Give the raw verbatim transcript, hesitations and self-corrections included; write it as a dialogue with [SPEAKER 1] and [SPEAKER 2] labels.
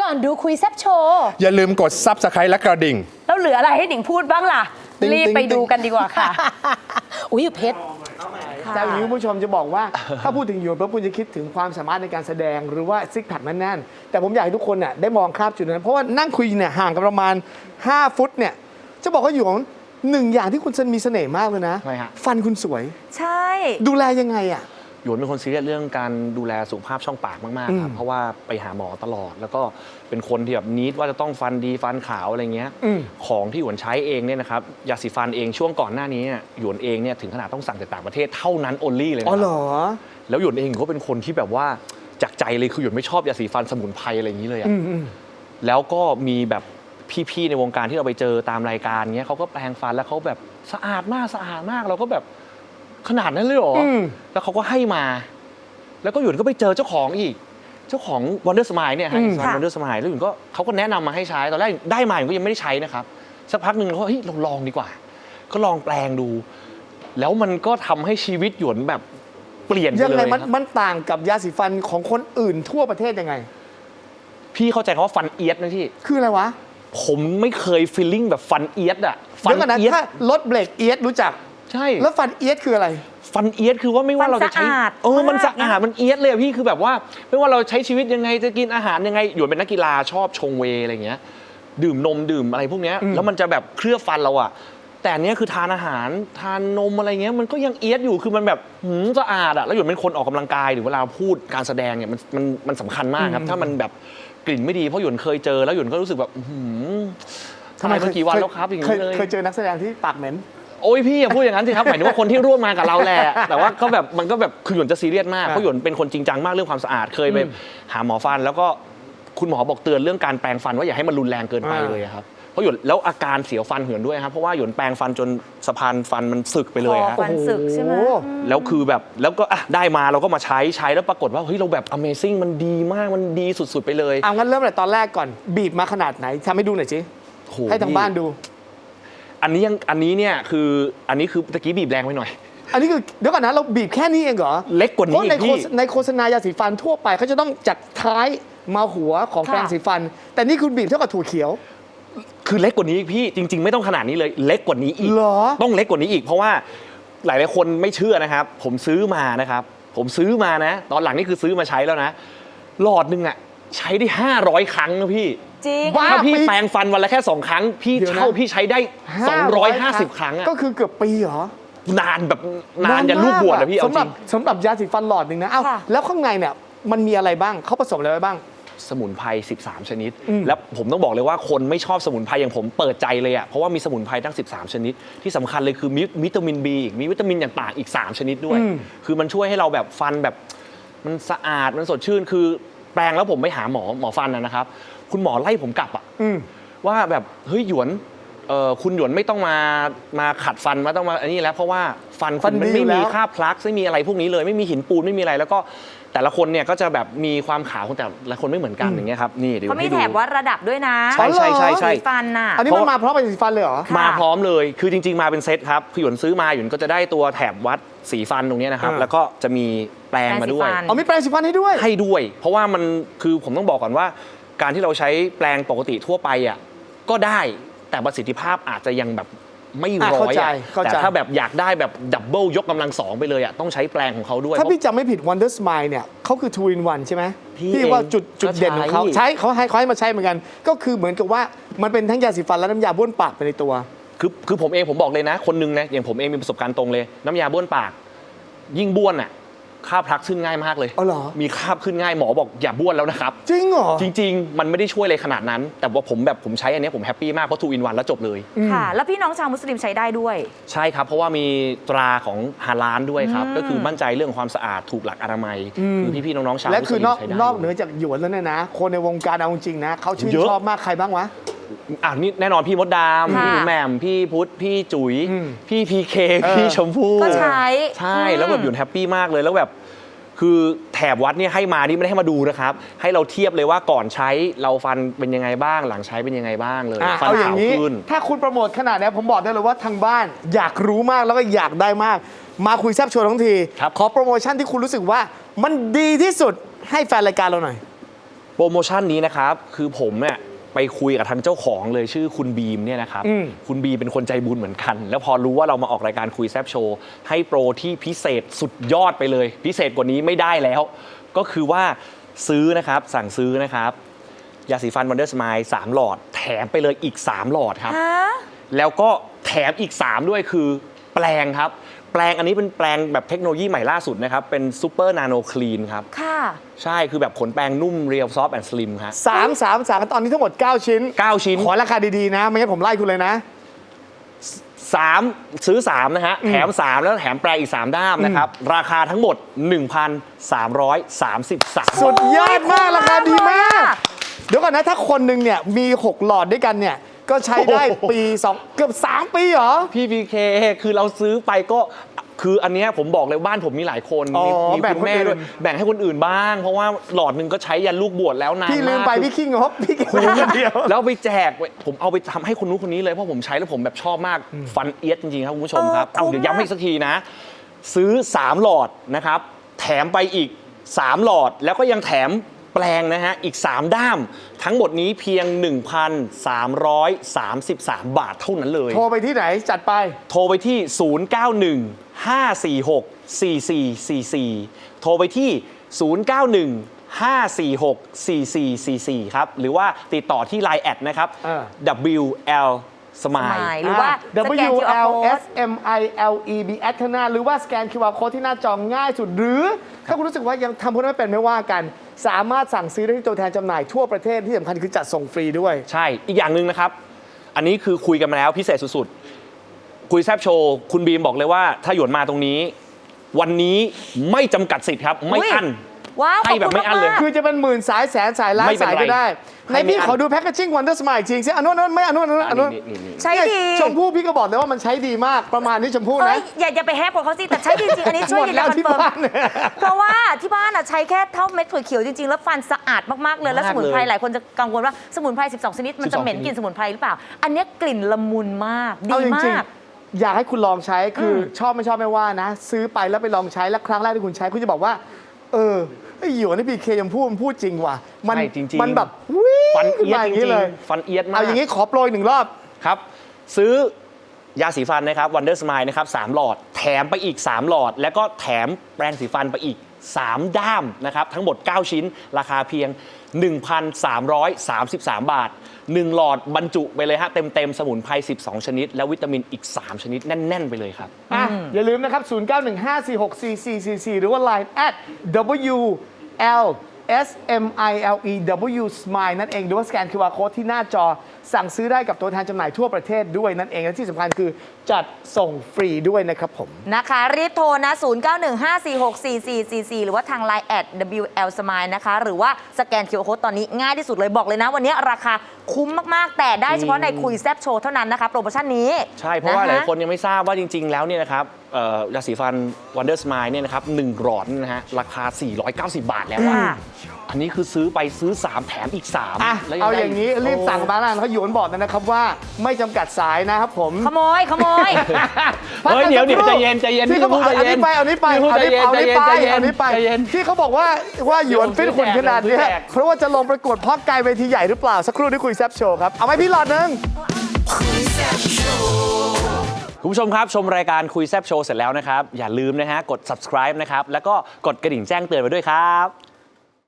[SPEAKER 1] อนดูคุยแซบโชว์
[SPEAKER 2] อย่าลืมกด ซับสไครบ์ และกระดิ่ง
[SPEAKER 1] แล้วเหลืออะไรให้หนิงพูดบ้างล่ะ รีบไปดูกันดีกว่าค่ะ อุ้ยเพชร
[SPEAKER 3] แต่อย่างนี้คุณผู้ชมจะบอกว่า ถ้าพูดถึงหยวนปุ๊บคุณจะคิดถึงความสามารถในการแสดงหรือว่าซิกแพคแน่นๆแต่ผมอยากให้ทุกคนเนี่ยได้มองข้ามจุดนั้นเพราะว่านั่งคุยเนี่ยห่างกันประมาณห้าฟุตเนี่ยจะบอกว่าหยวนหนึ่งอย่างที่คุณมีเสน่ห์มากเลยนะฟันคุณสวย
[SPEAKER 1] ใช่
[SPEAKER 3] ดูแลยังไงอ่ะ
[SPEAKER 4] หยวนเป็นคนซีเรียสเรื่องการดูแลสุขภาพช่องปากมากๆครับเพราะว่าไปหาหมอตลอดแล้วก็เป็นคนที่แบบนิดว่าจะต้องฟันดีฟันขาวอะไรเงี้ยของที่หยวนใช้เองเนี่ยนะครับยาสีฟันเองช่วงก่อนหน้านี้หยวนเองเนี่ยถึงขนาดต้องสั่งจากต่างประเทศเท่านั้น only เลยนะ
[SPEAKER 3] อ๋อเหรอ
[SPEAKER 4] แล้วหยวนเองก็เป็นคนที่แบบว่าจากใจเลยคือหยวนไม่ชอบยาสีฟันสมุนไพรอะไรอย่างนี้เลยอะแล้วก็มีแบบพี่ๆในวงการที่เราไปเจอตามรายการเงี้ยเขาก็แปรงฟันแล้วเขาแบบสะอาดมากสะอาดมากเราก็แบบขนาดนั้นเลยเหรอแล้วเขาก็ให้มาแล้วก็หยุดก็ไปเจอเจ้าของอีกเจ้าของ Wonder Smile เนี่ยฮะ Wonder Smile แล้วหยุดก็เขาก็แนะนำมาให้ใช้ตอนแรกได้มาหยุดก็ยังไม่ได้ใช้นะครับสักพักหนึ่งเขาเฮ้ยเราลองดีกว่าก็ลองแปลงดูแล้วมันก็ทำให้ชีวิตหยวนแบบเปลี่ยนไปเลย
[SPEAKER 3] ยังไงมันมันต่างกับยาสีฟันของคนอื่นทั่วประเทศยังไง
[SPEAKER 4] พี่เข้าใจคำว่าฟันเอียดนะพี่
[SPEAKER 3] คืออะไรวะ
[SPEAKER 4] ผมไม่เคยฟีลลิ่งแบบฟันเอียดอะ
[SPEAKER 3] ฟันเอียดถ้ารถเบรกเอียดรู้จัก
[SPEAKER 4] ใช่
[SPEAKER 3] แล้วฟันเอียดคืออะไร
[SPEAKER 4] ฟันเอียดคือว่าไม่ว่าเราจะใช้เออมันสะอาดมันเอียดเลยพี่คือแบบว่าไม่ว่าเราใช้ชีวิตยังไงจะกินอาหารยังไงหยวนเป็นนักกีฬาชอบชงเวย์อะไรเงี้ยดื่มนมดื่มอะไรพวกเนี้ยแล้วมันจะแบบเคลือบฟันเราอะแต่เนี้ยคือทานอาหารทานนมอะไรเงี้ยมันก็ยังเอียดอยู่คือมันแบบหืมสะอาดอะแล้วหยวนเป็นคนออกกำลังกายหรือเวลาพูดการแสดงเนี่ยมันมันมันสำคัญมากครับถ้ามันแบบกลิ่นไม่ดีเพราะหยวนเคยเจอแล้วหยวนก็รู้สึกแบบหืมทำไมเมื่อกี่วันแล้วครับอย่างนี้เลย
[SPEAKER 3] เคยเจอนักแสดงที่ปากเหม็น
[SPEAKER 4] โอ้ยพี่อย่าพูดอย่างนั้นสิครับหมายถึงว่าคนที่ร่วมมากับเราแหละแต่ว่าก็แบบมันก็แบบคือหยวนจะซีเรียสมากเพราะหยวนเป็นคนจริงจังมากเรื่องความสะอาดเคยไปหาหมอฟันแล้วก็คุณหมอบอกเตือนเรื่องการแปรงฟันว่าอย่าให้มันรุนแรงเกินไปเลยครับเพราะหยวนแล้วอาการเสียวฟันหยวนด้วยครับเพราะว่าหยวนแปรงฟันจนสะพานฟันมันสึกไปเลยครับ
[SPEAKER 1] ฟันสึกใช่ไหม
[SPEAKER 4] แล้วคือแบบแล้วก็อ่ะได้มาเราก็มาใช้ใช้แล้วปรากฏว่าเฮ้ยเราแบบ Amazing มันดีมากมันดีสุดๆไปเลย
[SPEAKER 3] เอางั้นเริ่มแต่ตอนแรกก่อนบีบมาขนาดไหนทำให้ดูหน่อยสิให้ทางบ้านดู
[SPEAKER 4] อันนี้ยังอันนี้เนี่ยคืออันนี้คือตะกี้บีบแรงไปหน่อย
[SPEAKER 3] อันนี้คือเดี๋ยวก่อนนะเราบีบแค่นี้เองเหรอ
[SPEAKER 4] เล็กกว่านี้อีกพี่
[SPEAKER 3] ในโฆษณายาสีฟันทั่วไปเขาจะต้องจากท้ายมาหัวของแปรงสีฟันแต่นี่คุณบีบเท่ากับถั่วเขียว
[SPEAKER 4] คือเล็กกว่านี้อีกพี่จริงๆไม่ต้องขนาดนี้เลยเล็กกว่านี้อีกต้องเล็กกว่านี้อีกเพราะว่าหลายๆคนไม่เชื่อนะครับผมซื้อมานะครับผมซื้อมานะตอนหลังนี่คือซื้อมาใช้แล้วนะหลอดนึงอ่ะใช้ได้ห้าร้อยครั้งนะพี่
[SPEAKER 1] จริง
[SPEAKER 4] ถ้าพี่แปรงฟันวันละแค่สองครั้งพี่เช่าพี่ใช้ได้สองร้อยห้าสิบครั้งอ่ะ
[SPEAKER 3] ก็คือเกือบปีเหรอน
[SPEAKER 4] านแบบนานอย่าลูกบวชเลยพี่เอาจริง
[SPEAKER 3] สำหรับยาสีฟันหลอดหนึ่งนะเอ้าแล้วข้างในเนี่ยมันมีอะไรบ้างเขาผสมอะไรไว้บ้าง
[SPEAKER 4] สมุนไพรสิบสามชนิดแล้วผมต้องบอกเลยว่าคนไม่ชอบสมุนไพรอย่างผมเปิดใจเลยอ่ะเพราะว่ามีสมุนไพรตั้งสิบสามชนิดที่สำคัญเลยคือมีวิตามิน B อีกมีวิตามินอย่างต่างอีกสามชนิดด้วยคือมันช่วยให้เราแบบฟันแบบมันสะอาดมันสดชื่นคือแปรงแล้วผมไปหาหมอหมอฟันนะครับคุณหมอไล่ผมกลับอ่ะว่าแบบเฮ้ยหยวนคุณหยวนไม่ต้องมามาขัดฟันมาต้องมาอันนี้แล้วเพราะว่าฟันคุณมันไม่มีค่าพลักไม่มีอะไรพวกนี้เลยไม่มีหินปูนไม่มีอะไรแล้วก็แต่ละคนเนี่ยก็จะแบบมีความขาวแต่ละคนไม่เหมือนกันอย่างเงี้ยครับนี่เดี๋ยว
[SPEAKER 1] เขามีแถบวัดระดับด้วยนะ
[SPEAKER 4] ใช่ใช่ใช่ใช่
[SPEAKER 1] ฟันน่ะ
[SPEAKER 3] อันนี้มันมาพร้อมเป็นสีฟันเลยเหรอ
[SPEAKER 4] มาพร้อมเลยคือจริงๆมาเป็นเซตครับคือหยวนซื้อมาหยวนก็จะได้ตัวแถบวัดสีฟันตรงนี้นะครับแล้วก็จะมีแปรงมาด้วย
[SPEAKER 3] อ๋อมีแปรงสีฟันให้ด้วย
[SPEAKER 4] ให้ด้วยเพราะว่ามันคือผมต้องบอกก่อนว่าการที่เราใช้แปรงปกติทั่วไปอ่ะก็ได้แต่ประสิทธิภาพอาจจะยังแบบไม่ร้อยแต่ถ้าแบบอยากได้แบบดับเบิลยกกำลังสองไปเลยอ่ะต้องใช้แปลงของเขาด้วย
[SPEAKER 3] ถ้าพี่จำไม่ผิด Wonder Smile เนี่ยเขาคือ two in one ใช่ไหมพี่ว่าจุดจุดเด่นของเขาใช้เขาให้เขาให้มาใช้เหมือนกันก็คือเหมือนกับว่ามันเป็นทั้งยาสีฟันและน้ำยาบ้วนปากไปในตัว
[SPEAKER 4] คือคือผมเองผมบอกเลยนะคนนึงนะอย่างผมเองมีประสบการณ์ตรงเลยน้ำยาบ้วนปากยิ่งบ้วนอ่ะคราบพลักขึ้นง่ายมากเลย
[SPEAKER 3] อ๋อเหรอ
[SPEAKER 4] มีคราบขึ้นง่ายหมอบอกอย่าบ้วนแล้วนะครับ
[SPEAKER 3] จริงเหรอ
[SPEAKER 4] จริงๆมันไม่ได้ช่วยอะไรขนาดนั้นแต่ว่าผมแบบผมใช้อันนี้ผมแฮปปี้มากเพราะทูอินวันแล้วจบเลย
[SPEAKER 1] ค่ะแล้วพี่น้องชาวมุสลิมใช้ได้ด้วย
[SPEAKER 4] ใช่ครับเพราะว่ามีตราของฮาลาลด้วยครับก็คือมั่นใจเรื่องความสะอาดถูกหลักอนามัยคือพี่ๆน้องๆชาวมุสลิม
[SPEAKER 3] และคือนอกนอกเหนือจากหยวนแล้วเนี่ยนะคนในวงการเอาจริงนะเขาชื่นชอบมากใครบ้างวะ
[SPEAKER 4] อ่ะนี่แน่นอนพี่มดดามพี่แหม่มพี่พุทธพี่จุ๋ยพี่พีเคพี่ชมพู่
[SPEAKER 1] ก็ใช้
[SPEAKER 4] ใช่แล้วแบบหยวนแฮปปี้มากเลยแล้วแบบคือแถบวัดเนี่ยให้มานี่ไม่ได้ให้มาดูนะครับให้เราเทียบเลยว่าก่อนใช้เราฟันเป็นยังไงบ้างหลังใช้เป็นยังไงบ้างเลยฟันขาวขึ้น
[SPEAKER 3] ถ้าคุณโปรโมทขนาดนี้ผมบอกได้เลยว่าทางบ้านอยากรู้มากแล้วก็อยากได้มากมาคุยแซ่บโชว์ทั้งทีขอโปรโมชั่นที่คุณรู้สึกว่ามันดีที่สุดให้แฟนรายการเราหน่อย
[SPEAKER 4] โปรโมชั่นนี้นะครับคือผมเนี่ยไปคุยกับทางเจ้าของเลยชื่อคุณบีมเนี่ยนะครับ
[SPEAKER 3] อืม
[SPEAKER 4] คุณบีเป็นคนใจบุญเหมือนกัน แล้วพอรู้ว่าเรามาออกรายการคุยแซบโชว์ให้โปรที่พิเศษสุดยอดไปเลย พิเศษกว่านี้ไม่ได้แล้ว ก็คือว่าซื้อนะครับสั่งซื้อนะครับยาสีฟันวันเดอร์สไมล์สามหลอดแถมไปเลยอีกสามหลอดครับ
[SPEAKER 1] ฮะ
[SPEAKER 4] แล้วก็แถมอีกสามด้วยคือแปลงครับแปลงอันนี้เป็นแปลงแบบเทคโนโลยีใหม่ล่าสุดนะครับเป็นซูเปอร์นาโนคลีนครับ
[SPEAKER 1] ค่ะ
[SPEAKER 4] ใช่คือแบบขนแปรงนุ่มเรียวซอฟต์แอนด์สลิมครับ
[SPEAKER 3] สามสามสามตอนนี้ทั้งหมด เก้า ชิ้น
[SPEAKER 4] เก้าชิ้น
[SPEAKER 3] ขอราคาดีๆนะ ไม่งั้นผมไล่คุณเลยนะ
[SPEAKER 4] สามซื้อสามนะฮะแถมสามแล้วแถมแปลงอีกสามด้ามนะครับราคาทั้งหมด หนึ่งพันสามร้อยสามสิบสาม
[SPEAKER 3] สุดยอดมาก
[SPEAKER 1] โอ้ย
[SPEAKER 3] ราคาดีมาก
[SPEAKER 1] คุ้มมาก
[SPEAKER 3] เดี๋ยวก่อนนะ ถ้าคนหนึ่งเนี่ยมี หก หลอดด้วยกันเนี่ย ก็ใช้ได้ปีสองเกือบสามปีเหรอ
[SPEAKER 4] พี่พีเคคือเราซื้อไปก็คืออันเนี้ยผมบอกเลยบ้านผมมีหลายคน
[SPEAKER 3] อ๋อ
[SPEAKER 4] มีมี
[SPEAKER 3] แบ่ง
[SPEAKER 4] คุณแม่
[SPEAKER 3] คนอื่น
[SPEAKER 4] ด้วยแบ่งให้คนอื่นบ้าง เพราะว่าหลอดหนึ่งก็ใช้ยันลูกบวชแล้วนาน
[SPEAKER 3] พี่ลืม
[SPEAKER 4] มาก
[SPEAKER 3] ไป
[SPEAKER 4] คือ
[SPEAKER 3] พี่ขี้งบพี่แค่คนเดียว
[SPEAKER 4] แล้วไปแจกไว้ผมเอาไปทำให้คนนู้นคนนี้เลยเพราะผมใช้แล้วผมแบบชอบมากฟันเอียดจริงๆครับคุณผู้ชมครับ
[SPEAKER 1] เออ
[SPEAKER 4] เอาเดี๋ยวย้ำให้อีกสักทีนะ ซื้อสามหลอดนะครับ แถมไปอีกสามหลอดแล้วก็ยังแถมแปลงนะฮะอีกสามด้าม ทั้งหมดนี้เพียง หนึ่งพันสามร้อยสามสิบสาม บาทเท่านั้นเลย
[SPEAKER 3] โทรไปที่ไหนจัดไป
[SPEAKER 4] โทรไปที่ ศูนย์ เก้า หนึ่ง ห้า สี่ หก สี่ สี่ สี่ สี่ โทรไปที่ ศูนย์ เก้า หนึ่ง ห้า สี่ หก สี่ สี่ สี่ สี่ ครับ หรือว่าติดต่อที่ ไลน์ แอดนะครับ
[SPEAKER 3] เออ
[SPEAKER 4] ดับเบิลยู แอล
[SPEAKER 1] สมาย
[SPEAKER 4] Smile
[SPEAKER 1] หรือว่าสแกน
[SPEAKER 3] W
[SPEAKER 1] คิว อาร์
[SPEAKER 3] L
[SPEAKER 1] code
[SPEAKER 3] S M I L E B แอดข้างหน้าหรือว่าสแกน คิว อาร์ Code ที่หน้าจอง่ายสุด หรือ ถ้าคุณรู้สึกว่ายังทำพวกนั้นไม่เป็นไม่ว่ากัน สามารถสั่งซื้อได้ที่ตัวแทนจำหน่ายทั่วประเทศที่สำคัญคือจัดส่งฟรีด้วย
[SPEAKER 4] ใช่ อีกอย่างหนึ่งนะครับ อันนี้คือคุยกันมาแล้วพิเศษสุดๆ คุยแซบโชว์ คุณบีมบอกเลยว่าถ้าหยวนมาตรงนี้ วันนี้ไม่จำกัดสิทธิ์ครับ ไม่อั้น
[SPEAKER 1] ว้าว
[SPEAKER 4] ให้แบบไม่อั้นเลย
[SPEAKER 1] ขบคุณากๆ
[SPEAKER 3] คือจะเป็นหมื่นสายแสนสายล้าน
[SPEAKER 4] ไม่เป็น
[SPEAKER 3] สาย
[SPEAKER 4] ไร
[SPEAKER 3] ก็ได้
[SPEAKER 4] ให้
[SPEAKER 3] ใน
[SPEAKER 4] ไม่
[SPEAKER 3] พี่
[SPEAKER 4] อั้น
[SPEAKER 3] ขอดูแพคเกจิ้งวันเดอร์สมายจริงสิอันนู้นอันนู้นไม่อันนู้นอันนู้นอันนู้น
[SPEAKER 4] นี่นี่
[SPEAKER 1] ใช้ดี
[SPEAKER 3] ชมพู่พี่ก็บอกเลยว่ามันใช้ดีมากประมาณนี้ชมพู่
[SPEAKER 1] เอ้
[SPEAKER 3] นะ
[SPEAKER 1] ยอย่าอย่าไปแฮปของเขาสิแต่ใช้ดีจริงอันนี้ช่วย
[SPEAKER 3] หมด
[SPEAKER 1] ยืน
[SPEAKER 3] แล้
[SPEAKER 1] ยั
[SPEAKER 3] วน
[SPEAKER 1] คอน
[SPEAKER 3] ที่
[SPEAKER 1] เฟิร์ม
[SPEAKER 3] บ้านเนี่ย
[SPEAKER 1] เพราะว่าที่บ้านอ่ะใช้แค่เท่าเม็ดถั่วเขียวจริงๆ แล้วฟันสะอาดมากๆเลยแล้ว
[SPEAKER 4] มาก
[SPEAKER 1] สมุนไพร
[SPEAKER 4] เลย
[SPEAKER 1] หลายคนจะกังวลว่าสมุนไพรสิบสองชนิดมันจะเหม็นกลิ่นสมุนไพรหรือเปล่า อันเนี้ยกลิ่นละมุนมากดี
[SPEAKER 3] เอาจ
[SPEAKER 1] มา
[SPEAKER 3] ริง
[SPEAKER 1] ก
[SPEAKER 3] ๆอยากให้คุณลองใช้คืออชอบไม่ชอบไม่ว่านะ ซื้อไปแล้วไปลองใช้แล้วครั้งแรกที่คุณใช้คุณจะบอกว่า เออไอ้หยวนนี่พีเคยังพูดมันพูดจริงว่ะมัน
[SPEAKER 4] ใช่จริงๆ
[SPEAKER 3] มันแบบวิ่ง
[SPEAKER 4] ฟัน
[SPEAKER 3] ขึ้น
[SPEAKER 4] เอียด
[SPEAKER 3] มาอ
[SPEAKER 4] จ
[SPEAKER 3] ย่าง
[SPEAKER 4] ริ
[SPEAKER 3] นี้
[SPEAKER 4] ง
[SPEAKER 3] เลย
[SPEAKER 4] ๆฟันเอียดมาก
[SPEAKER 3] เอาอย่างนี้ขอโปรยหนึ่งรอบ
[SPEAKER 4] ครับ ซื้อยาสีฟันนะครับ Wonder Smile นะครับสามหลอด แถมไปอีก สาม หลอด แล้วก็แถมแปรงสีฟันไปอีก สาม ด้ามนะครับ ทั้งหมด เก้า ชิ้น ราคาเพียง หนึ่งพันสามร้อยสามสิบสาม บาท หนึ่ง หลอดบรรจุไปเลยฮะ เต็ม ๆ สมุนไพร สิบสอง ชนิด และวิตามินอีก สาม ชนิด แน่น ๆ ไปเลยครับ
[SPEAKER 3] อ่ะอย่าลืมนะครับ ศูนย์ เก้า หนึ่ง ห้า สี่ หก สี่ สี่ สี่ สี่ หรือว่า ไลน์ at W L S M I L E W Smile นั่นเองหรือว่าสแกน คิว อาร์ Code ที่หน้าจอสั่งซื้อได้กับตัวแทนจำหน่ายทั่วประเทศด้วยนั่นเองและที่สำคัญคือจัดส่งฟรีด้วยนะครับผม
[SPEAKER 1] นะคะ รีบโทรนะ ศูนย์ เก้า หนึ่ง ห้า สี่ หก สี่ สี่ สี่ สี่ หรือว่าทาง ไลน์ แอด ดับเบิลยู แอล Smile นะคะ หรือว่าสแกน คิว อาร์ Code ตอนนี้ง่ายที่สุดเลยบอกเลยนะ วันนี้ราคาคุ้มมาก ๆ แต่ได้เฉพาะในคุยแซบโชว์เท่านั้นนะคะ โปรโมชั่นนี้
[SPEAKER 4] ใช่ เพราะว่าหลาย
[SPEAKER 1] ค
[SPEAKER 4] คนยังไม่ทราบว่าจริง ๆ แล้วเนี่ยนะครับเอ่อยาสีฟัน Wonder Smile เนี่ยนะครับหนึ่งหลอดเนี่ยนะฮะราคา สี่ร้อยเก้าสิบ บาทแล้วอะ
[SPEAKER 1] ค่ะ
[SPEAKER 4] อันนี้คือซื้อไปซื้อ สาม แถมอีก สาม
[SPEAKER 3] อ่ะ
[SPEAKER 4] แล้ว
[SPEAKER 3] เอา
[SPEAKER 4] ได้
[SPEAKER 3] อย่างนี้รีบสั่งมาแล้วเขาหยวนบอกนะครับว่าไม่จำกัดสายนะครับผม
[SPEAKER 1] ขโมยขโมย
[SPEAKER 4] เฮ้ยเดี๋ยวเดี๋ยวใจเย็นใจเย็น
[SPEAKER 3] ที่เขาบอก
[SPEAKER 4] พี่
[SPEAKER 3] เอา
[SPEAKER 4] ชมพู่
[SPEAKER 3] นี้ไปเอานี้ไป
[SPEAKER 4] พี่ชมพู่
[SPEAKER 3] เอานี้เอานี้ไป
[SPEAKER 4] ใจเย็น
[SPEAKER 3] เอานี้ไป
[SPEAKER 4] ใจเย็น
[SPEAKER 3] ที่เขาบอกว่าว่าหยวนฟิตหุ่นขนาดเนี้ย
[SPEAKER 4] แจก
[SPEAKER 3] เพราะว่าจะลงประกวดเพาะกายเวทีใหญ่หรือเปล่าสักครู่ที่คุยแซบโชว์ครับเอาไหมพี่หลอดหนึง
[SPEAKER 4] คุณผู้ชมครับ ชมรายการคุยแซบโชว์เสร็จแล้วนะครับ อย่าลืมนะฮะกด subscribe นะครับ แล้วก็กดกระดิ่งแจ้งเตือนไว้ด้วยครับ